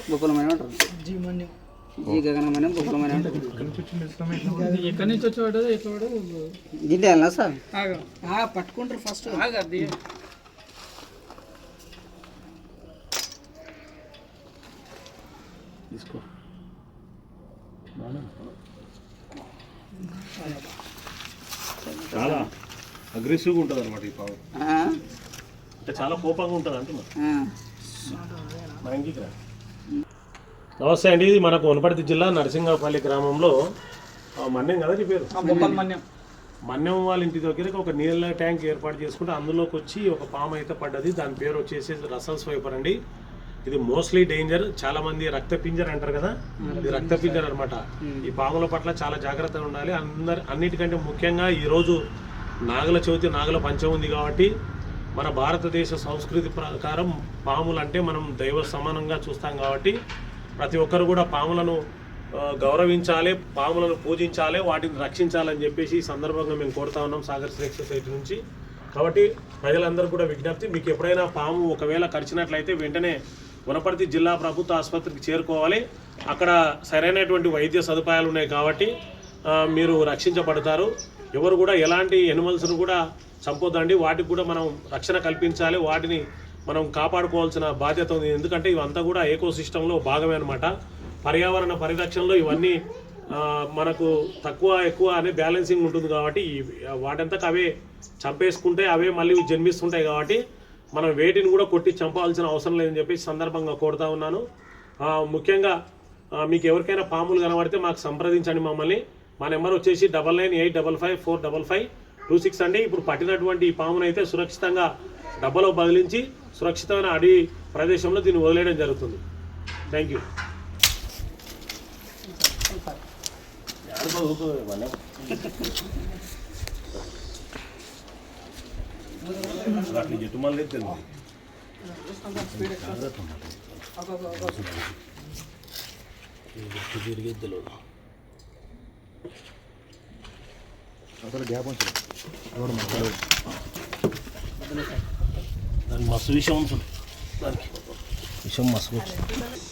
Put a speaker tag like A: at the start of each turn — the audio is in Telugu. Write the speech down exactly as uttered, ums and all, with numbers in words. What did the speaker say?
A: బొక్కలమైన ఉంటారు. జీ మన్యం జీ గగనమనం బొక్కలమైన ఉంటుంది. ఎక్కడి నుంచి వచ్చేవాడు ఎట్లా గింటే వెళ్ళా సార్ పట్టుకుంటారు ఫస్ట్ అది తీసుకో.
B: చాలా అగ్రెసివ్గా ఉంటుంది అనమాట ఈ పాము, అంటే చాలా కోపంగా ఉంటుంది అంటున్నా. నమస్తే అండి, ఇది మనకు వనపర్తి జిల్లా నరసింగపల్లి గ్రామంలో మన్యం కదా చెప్పారు.
A: మన్యం
B: మన్యం వాళ్ళ ఇంటి దగ్గర ఒక నీళ్ళ ట్యాంక్ ఏర్పాటు చేసుకుంటే అందులోకి వచ్చి ఒక పాము అయితే పడ్డది. దాని పేరు వచ్చేసి రసల్ స్వైపర్ అండి. ఇది మోస్ట్లీ డేంజర్. చాలా మంది రక్త పింజర్ అంటారు కదా, ఇది రక్త పింజర్ అనమాట. ఈ పాముల పట్ల చాలా జాగ్రత్తగా ఉండాలి. అందరు అన్నిటికంటే ముఖ్యంగా ఈరోజు నాగల చవితి, నాగల పంచమి ఉంది కాబట్టి మన భారతదేశ సంస్కృతి ప్రకారం పాములు అంటే మనం దైవ సమానంగా చూస్తాం కాబట్టి ప్రతి ఒక్కరు కూడా పాములను గౌరవించాలి, పాములను పూజించాలి, వాటిని రక్షించాలని చెప్పేసి ఈ సందర్భంగా మేము కోరుతా ఉన్నాం సాగర్ శ్రేక్ సొసైటీ నుంచి. కాబట్టి ప్రజలందరూ కూడా విజ్ఞప్తి, మీకు ఎప్పుడైనా పాము ఒకవేళ కరిచినట్లయితే వెంటనే వనపర్తి జిల్లా ప్రభుత్వ ఆసుపత్రికి చేరుకోవాలి. అక్కడ సరైనటువంటి వైద్య సదుపాయాలు ఉన్నాయి కాబట్టి మీరు రక్షించబడతారు. ఎవరు కూడా ఎలాంటి ఎనిమల్స్ను కూడా చంపొద్దండి, వాటికి కూడా మనం రక్షణ కల్పించాలి, వాటిని మనం కాపాడుకోవాల్సిన బాధ్యత ఉంది. ఎందుకంటే ఇవంతా కూడా ఏకో సిస్టంలో భాగమే అనమాట. పర్యావరణ పరిరక్షణలో ఇవన్నీ మనకు తక్కువ ఎక్కువ అనే బ్యాలెన్సింగ్ ఉంటుంది కాబట్టి వాటంతకు అవే చంపేసుకుంటే అవే మళ్ళీ జన్మిస్తుంటాయి కాబట్టి మనం వేటిని కూడా కొట్టి చంపాల్సిన అవసరం లేదని చెప్పేసి సందర్భంగా కోరుతా ఉన్నాను. ముఖ్యంగా మీకు ఎవరికైనా పాములు కనబడితే మాకు సంప్రదించండి మమ్మల్ని. మా నెంబర్ వచ్చేసి double nine eight double five four double five two six అండి. ఇప్పుడు పట్టినటువంటి ఈ పామునైతే సురక్షితంగా డబ్బాలో బదిలించి సురక్షితమైన అడవి ప్రదేశంలో దీన్ని వదిలేయడం జరుగుతుంది. Thank you. అట్లా చెట్టు మళ్ళీ తెలియదు తిరిగేది తెలియదు అసలు గ్యాప్ ఉంటుంది. దానికి మస్తు విషయం ఉంటుంది, దానికి విషయం మస్తు.